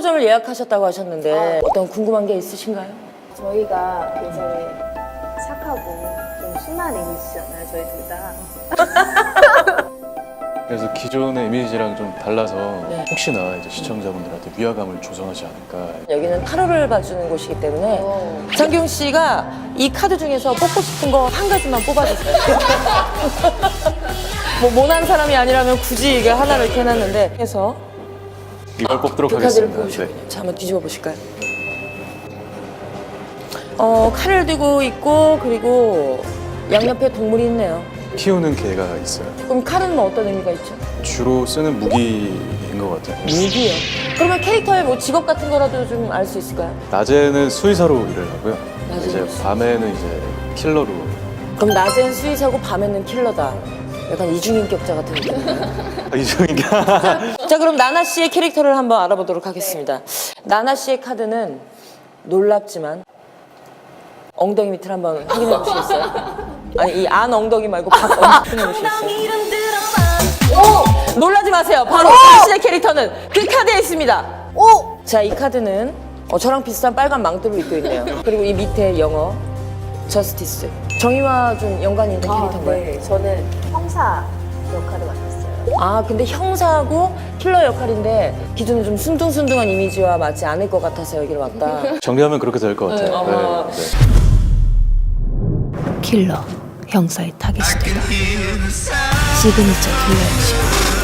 상호점을 예약하셨다고 하셨는데 어떤 궁금한 게 있으신가요? 저희가 굉장히 착하고 좀 순한 이미지잖아요, 저희 둘 다. 그래서 기존의 이미지랑 좀 달라서 네. 혹시나 이제 시청자분들한테 위화감을 조성하지 않을까. 여기는 타로를 봐주는 곳이기 때문에 장기용 씨가 이 카드 중에서 뽑고 싶은 거 한 가지만 뽑아주세요. 뭐 모난 사람이 아니라면 굳이 이게 하나를 이렇게 해놨는데 해서 이걸 뽑도록 그 카드를 하겠습니다. 뽑으시군요. 자, 한번 뒤집어 보실까요? 칼을 들고 있고 그리고 양옆에 동물이 있네요. 키우는 개가 있어요. 그럼 칼은 뭐 어떤 의미가 있죠? 주로 쓰는 무기인 것 같아요. 무기요. 그러면 캐릭터의 뭐 직업 같은 거라도 좀 알 수 있을까요? 낮에는 수의사로 일을 하고요. 낮에는 이제 수의사. 밤에는 이제 킬러로. 그럼 낮엔 수의사고 밤에는 킬러다. 약간 이중인격자 같은 느낌이에요. 이종인가? 자, 그럼 나나 씨의 캐릭터를 한번 알아보도록 하겠습니다. 나나 씨의 카드는 놀랍지만 엉덩이 밑을 한번 확인해 보시겠어요? 아니, 이 안 엉덩이 말고 밖 엉덩이 확인해 보시겠어요? 오! 놀라지 마세요. 바로 당신의 캐릭터는 그 카드에 있습니다. 오! 자, 이 카드는 저랑 비슷한 빨간 망토를 입고 있네요. 그리고 이 밑에 영어 저스티스. 정의와 좀 연관이 있는 캐릭터인가요? 네, 저는 형사 역할을 맡았어요. 아, 근데 형사하고 킬러 역할인데 기존에 좀 순둥순둥한 이미지와 맞지 않을 것 같아서 여기를 왔다. 정리하면 그렇게 될 것 같아요. 어머. 네. 킬러, 형사의 타깃이 되다. 시그니처 킬러 음식.